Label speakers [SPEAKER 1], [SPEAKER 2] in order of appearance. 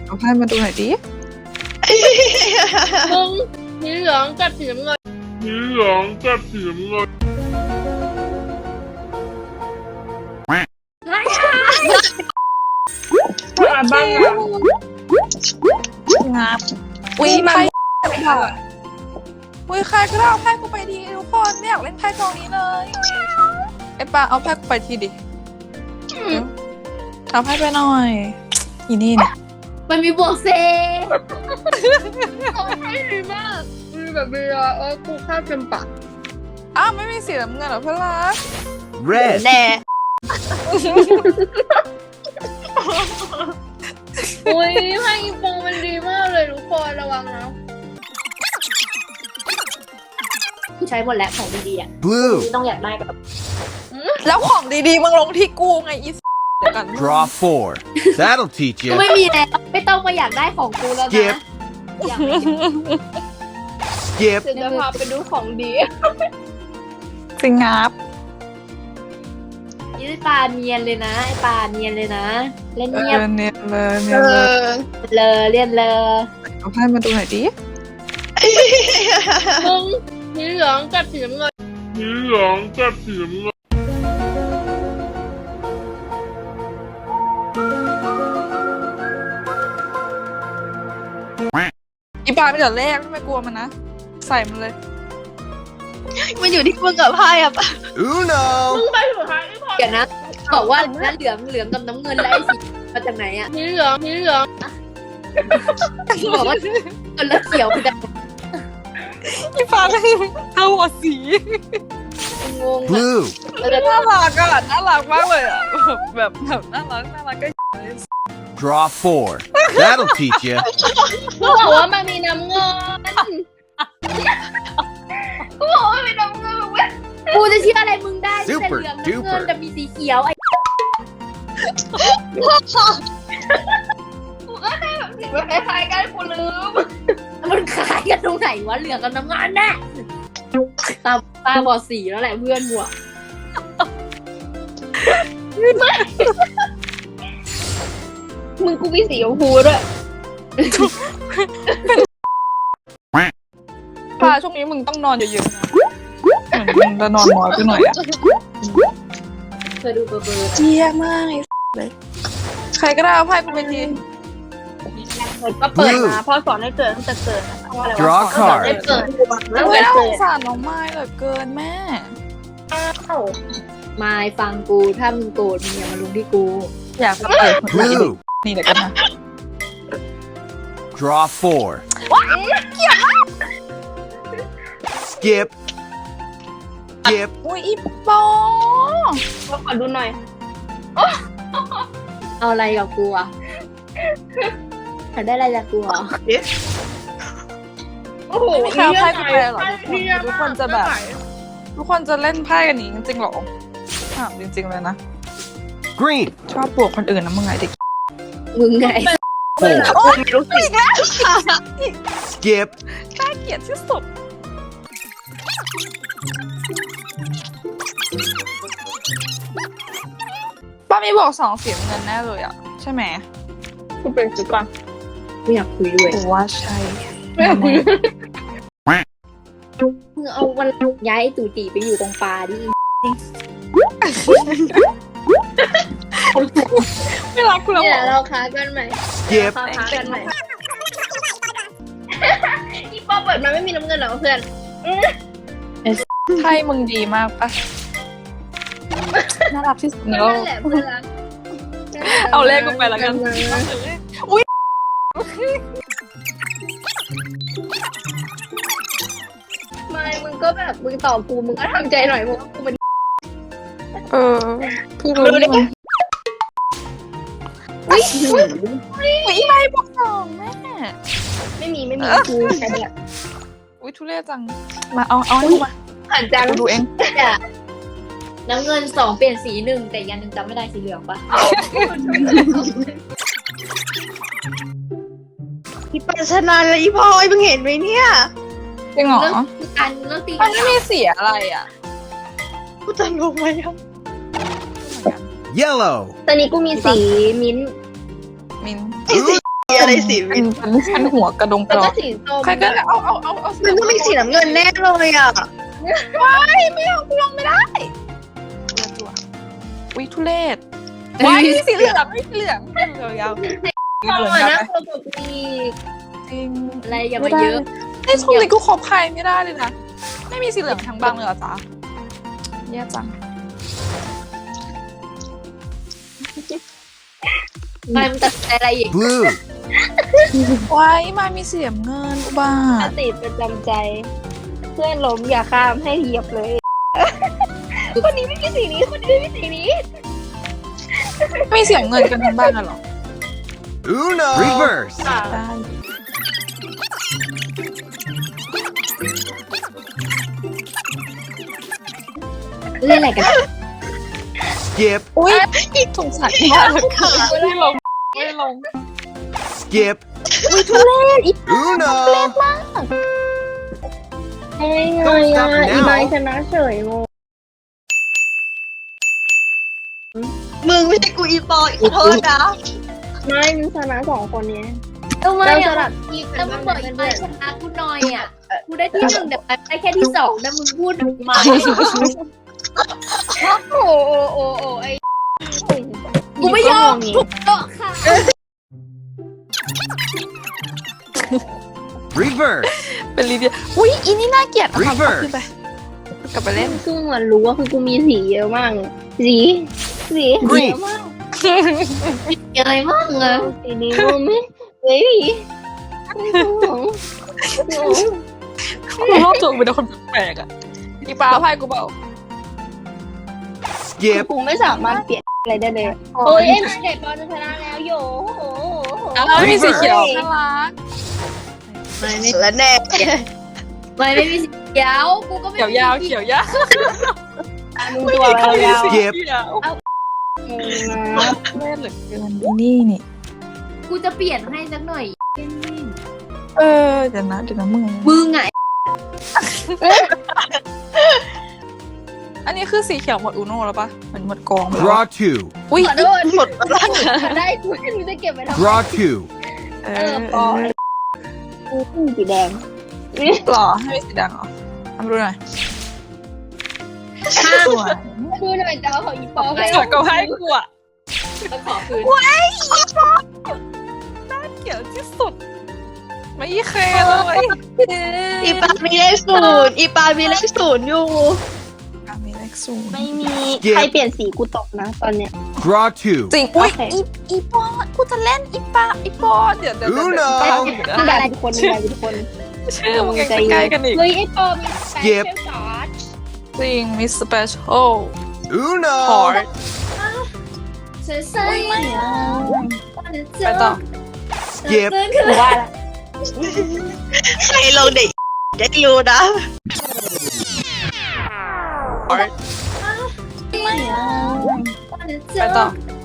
[SPEAKER 1] เอาไพ่มาดูหน่อยดิ
[SPEAKER 2] มึงสีเหลืองกับสีน้ำเงิน
[SPEAKER 1] บ้างงับอุ้ยไพ่อุ้ยใครก็ได้เอาไพ่กูไปทีทุกคนไม่อยากเล่นไพ่กองนี้เลยไอ้ปาเอาไพ่กูไปทีดิเอาไพ่ไปหน่อยอีนี่เนี่ย
[SPEAKER 2] มันมีบวกเซไม่ดีมากมีแบบเบียร์กูคาดเป็นปาก
[SPEAKER 1] อ้าวไม่มีสีน้ำเงินเหรอเพื่อนรัก
[SPEAKER 3] Red
[SPEAKER 1] แน่
[SPEAKER 2] อุ้ยไพ่อีปองมันดีมากเลยทุกคนระวังนะใช้หมดแล้วของดีๆอ่ะ
[SPEAKER 3] Blue
[SPEAKER 2] ต้องอยากได้แบบ
[SPEAKER 1] แล้วของดีๆมึงลงที่กูไงอีเดี๋ยวกัน
[SPEAKER 3] Draw 4 That'll teach
[SPEAKER 2] ก็
[SPEAKER 3] you
[SPEAKER 2] ไม่มีแล้วไม่ต้องมาอยากได้ของกูแล้วนะ
[SPEAKER 3] Skip
[SPEAKER 2] อยาก
[SPEAKER 3] Skip
[SPEAKER 2] จะพาไปดูของดี
[SPEAKER 1] สิงับ
[SPEAKER 2] ยี่ปลาเนียนเลยนะไอปลาเนียนเลยนะเล่นเงียบ
[SPEAKER 1] เนียนเลยเนียนเลย
[SPEAKER 2] เลยเรียนเลย
[SPEAKER 1] เอาไพ่มาดูหน่อยดิ
[SPEAKER 2] มึงสีเหลืองกับสีน้ำเงิน
[SPEAKER 1] อีปาไม่เดี๋ยวแรกไม่กลัวมันนะใส่มันเลย
[SPEAKER 4] มันอยู่ที่มึงกับไพ่อะปะ
[SPEAKER 3] Uno
[SPEAKER 2] มึงไปสุดท้ายไม่พอเดี๋ยวนะบอกว่านั่นเหลืองกับน้ำเงินแล้วไอ้สีมาจากไหนอ่ะสีเหลืองบอกว่าเงินแล้วเขียวคือจะ
[SPEAKER 1] อีปาไม่เอาหัวสี
[SPEAKER 2] งง
[SPEAKER 3] Blue
[SPEAKER 1] น่ารักอ่ะน่ารักมากเลยอ่ะแบบน่ารักก็
[SPEAKER 3] Draw 4 That'll teach you
[SPEAKER 2] กูบอกว่ามันมีน้ำเงินกูบอกว่ามีน้ำเงินเว้ยกูจะเชื่ออะไรมึงได้ที่เป็นเหลืองน้ำเงินแต่มีสีเขียวไอ้กูก็ได้แบบสิ่งคล้ายๆกันกูลืมมันคล้ายกันตรงไหนวะเหลืองกับน้ำเงินน่ะตาบอดสีแล้วแหละเพื่อนหัวมึงกูมีสีชมพูด้วย
[SPEAKER 1] ปาช่วงนี้มึงต้องนอนเยอะๆนะมึงจะนอนน้อยไปหน่อยอ่ะ
[SPEAKER 2] เคยดูเบอร์
[SPEAKER 1] เยี่ยมากเลยใครก็ได้เอาไพ่กูไปที
[SPEAKER 2] ก็เปิดมาพ่อสอนให้เกิดตั้งแต่เกิดนะ
[SPEAKER 3] Draw
[SPEAKER 2] สอนให้
[SPEAKER 3] card
[SPEAKER 2] เกิด
[SPEAKER 1] ไม่น่าสงสารน้องไม้เหลือเกินแม่
[SPEAKER 2] มายฟังกูถ้ามึงโกรธมึงอย่ามาลงที่กู
[SPEAKER 1] อยากจะเปิด
[SPEAKER 3] Blue
[SPEAKER 1] นี่เดี๋ยวกันนะ
[SPEAKER 3] Draw 4 Skip Skip
[SPEAKER 1] อุ้ยอีปอ
[SPEAKER 2] ขอดูหน่อยเอาอะไรกับกูอ่ะอยากได้อะไรจากกูอ่ะโอ้โห
[SPEAKER 1] ไม่มีใครเอาไพ่กูไปหรอทุกคนจะแบบทุกคนจะเล่นไพ่กันนี้จริงๆหรอถามจริงๆเลยนะ
[SPEAKER 3] Green
[SPEAKER 1] ชอบปลวกคนอื่นนะมึงไงเด็ก
[SPEAKER 2] มึงไง
[SPEAKER 3] 4
[SPEAKER 1] โอ้ยรู้สึกแล้ว
[SPEAKER 3] Skip
[SPEAKER 1] น่าเกลียดที่สุดป้ามีบอก2เสียงเงินแน่เลยอ่ะใช่ไหม
[SPEAKER 2] กูเป็นสุดก่อนไม่อยากคุยด้วย
[SPEAKER 1] กูว่าใช่
[SPEAKER 2] ไม่อยากคุยมึงเอาวันย้ายตู่ตีไปอยู่ตรงปลาดิ
[SPEAKER 1] ไม่รักกูแล้ว
[SPEAKER 2] เนี่ยเราค้ากันใหม่
[SPEAKER 3] Skip
[SPEAKER 2] ค้ากันใหม่อีปอเปิดมาไม่มีน้ำเงินหรอเพื่อน
[SPEAKER 1] ไพ่มึงดีมากปะน่ารักที่สุดในโลก
[SPEAKER 2] นั่นแหละเพื่อนรัก
[SPEAKER 1] เอาเลขกูไปแล้วกันอุ้ย
[SPEAKER 2] ไม่มึงก็แบบมึงตอบกูมึงก็ทำใจหน่อยมึงว่ากูเป็น
[SPEAKER 1] พี่รู้ได้ไงอุ้ยไพ่บอก2แม่
[SPEAKER 2] ไม่มีกูใช่ไหมล่ะ
[SPEAKER 1] อุ้ยทุเรศจังมาเอาให้กูมา
[SPEAKER 2] หันจัง
[SPEAKER 1] กูดูเอง
[SPEAKER 2] น้ำเงิน2เปลี่ยนสี1แต่อีกอย่างหนึ่งจำไม่ได้สีเหลืองปะ
[SPEAKER 4] พี่ปัญชนะเลยอีพลอยมึงเห็นไหมเนี่ย
[SPEAKER 1] จริงเหรอ
[SPEAKER 2] เรื่องตี
[SPEAKER 1] มันไม่มีเสียอะไรอ่ะ
[SPEAKER 4] กูจะงงไหมอะ
[SPEAKER 3] Yellow
[SPEAKER 2] ตอนนี้กูมีสีมิ้นท์
[SPEAKER 1] มิน
[SPEAKER 4] ไอ้สีอะไรสี
[SPEAKER 1] เป็นหัวกระดงก
[SPEAKER 2] แล้
[SPEAKER 1] ระ
[SPEAKER 2] ว
[SPEAKER 1] ด
[SPEAKER 2] ก็
[SPEAKER 1] อง
[SPEAKER 2] สีส้ม
[SPEAKER 1] ใครก็เอา
[SPEAKER 4] มันต้องมีสีน้ำเงินแน่เลยอ่ะ
[SPEAKER 1] ไม่เอากูลงไม่ได้วิทุเรศว้ายสีเหลืองไม่สีเหลืองยาว
[SPEAKER 2] มองอ่ะนะตัวแบบมี
[SPEAKER 1] จริง
[SPEAKER 2] อะไรอย่ามาเยอะ
[SPEAKER 1] ไอ้ช่วงนี้กูคบใครไม่ได้เลยนะไม่มีสีเหลืองทั้งบางเลยเหรอจ๊ะแย่จัง
[SPEAKER 2] มันตัดอะไรอีก
[SPEAKER 3] Blue.
[SPEAKER 1] ว้ายมามีเสียมเงินอุบา
[SPEAKER 2] ส
[SPEAKER 1] ท
[SPEAKER 2] ติประจำใจ เพื่อนล้มอย่าข้ามให้เหยียบเลย คนนี้ไม่มีสีนี้คนนี้ไม่มีสีนี้
[SPEAKER 1] ไม่มีเสียมเงินกันทั้งบ้านเหรอ
[SPEAKER 3] Uno. Reverse.
[SPEAKER 1] ได้
[SPEAKER 2] เล่นอะไรกัน
[SPEAKER 3] Skip.
[SPEAKER 1] อุ้ยสงสารมากเลยค่ะไม่ลงไม่ลง
[SPEAKER 3] Skip.
[SPEAKER 1] อุ้ยทุเรศอี
[SPEAKER 3] Uno.
[SPEAKER 2] ไอ้ไงอ่ะอีไบชนะเฉยงง
[SPEAKER 4] มึงไม่ใช่กูอีปอขอโทษนะ
[SPEAKER 2] ไม่มันชนะ2 คนนี้
[SPEAKER 5] ทำไม
[SPEAKER 2] เราส
[SPEAKER 5] อ่ะ
[SPEAKER 2] ลับ
[SPEAKER 5] อีกแล้วมึงบอกอีกไปชนะกูหน่อยอ่ะ กูได้ที่ 1แต่ไปได้แค่ที่2นะมึงพูดทำไม
[SPEAKER 2] โอ้ไอ้
[SPEAKER 5] กูไม่ยอมถูกต้องค่ะ
[SPEAKER 3] Reverse.
[SPEAKER 1] เป็นลีเดียอุ้ยอีนี่น่าเกลียดเอา
[SPEAKER 3] Reverse
[SPEAKER 1] ขึ้นไปกลับไปเล่น
[SPEAKER 2] ซึ่งเหมือนรู้ว่าคือกูมีสีเยอะมากเลยสีเย
[SPEAKER 3] Green.
[SPEAKER 2] อะมาก
[SPEAKER 5] อะไรมั่งอ่ะ
[SPEAKER 2] สีนี้รู้ไหมเฮ้ยไม่รู้
[SPEAKER 1] กูรอบตัวกูเป็นคนแปลกๆอ่ะอีปลาไพ่กูเปล่า
[SPEAKER 3] Skip.
[SPEAKER 2] กูไม่สามารถเปลี่ยนอะไรได้เลยโอ้ยเอ็มเด็ดบอลจะชนะแล้วโยโห
[SPEAKER 1] ไม่มีสีเขียวน่ารัก
[SPEAKER 4] และแน่
[SPEAKER 5] ไม่มีสีเขียวกูก็ไม่
[SPEAKER 1] เขียวยาวเขียวยาว
[SPEAKER 2] มึงตัวอะไรยาว
[SPEAKER 3] Skip.
[SPEAKER 1] เขียว
[SPEAKER 2] นะ
[SPEAKER 1] แม่เหลือเกินอีนี่นี่
[SPEAKER 5] กูจะเปลี่ยนให้สักหน่อย
[SPEAKER 1] เดี๋ยวนะมึง
[SPEAKER 5] มึงไง
[SPEAKER 1] อันนี้คือสีเขียวหมดอูโน่แล้วปะเหมือนหมดกองไปแล้ว
[SPEAKER 3] Draw two.
[SPEAKER 1] อุ้ย
[SPEAKER 2] ขอโทษ
[SPEAKER 4] หมดแล้ว
[SPEAKER 2] ได้กูไม่รู้จะเก็บไว้ทำไม
[SPEAKER 3] Draw two.
[SPEAKER 2] ปอกูสีแดง
[SPEAKER 1] หล่อให้มีสีแดงเหรอทำดูหน่อยสวย
[SPEAKER 2] ดูหน่อยจ้าของอีปอ
[SPEAKER 1] สวยก็ให้กูอ่ะ
[SPEAKER 5] ต้องขอคืน
[SPEAKER 1] เขียวที่สุด ไม่เคเลย
[SPEAKER 4] อีปามีเลขศูนย์อีปามีเลขศูนย์อยู่
[SPEAKER 1] มีเลขศูนย์
[SPEAKER 2] ไม่มีใครเปลี่ยนสีกูตกนะตอนเนี้ย
[SPEAKER 3] Draw two.
[SPEAKER 1] จริงอุ้ย
[SPEAKER 2] โอเค
[SPEAKER 1] อีปอนกูจะเล่นอีปอนเดี๋ยว
[SPEAKER 3] Uno
[SPEAKER 2] มึงด่าทุกคนมึงด่าทุกคน
[SPEAKER 1] ชื่อมึงยังใกล้กันอีก
[SPEAKER 2] เฮ้ยไอ้ปอมีแฟนเชลซอส
[SPEAKER 1] จริงมีสเปเชียล
[SPEAKER 3] Uno.
[SPEAKER 1] พอร์ต
[SPEAKER 5] เฉยๆไป
[SPEAKER 1] ไปต่อ
[SPEAKER 3] Skip.
[SPEAKER 2] กูว่าละ
[SPEAKER 4] ใครลงเด็กได้รู้นะ
[SPEAKER 1] ไปต่อ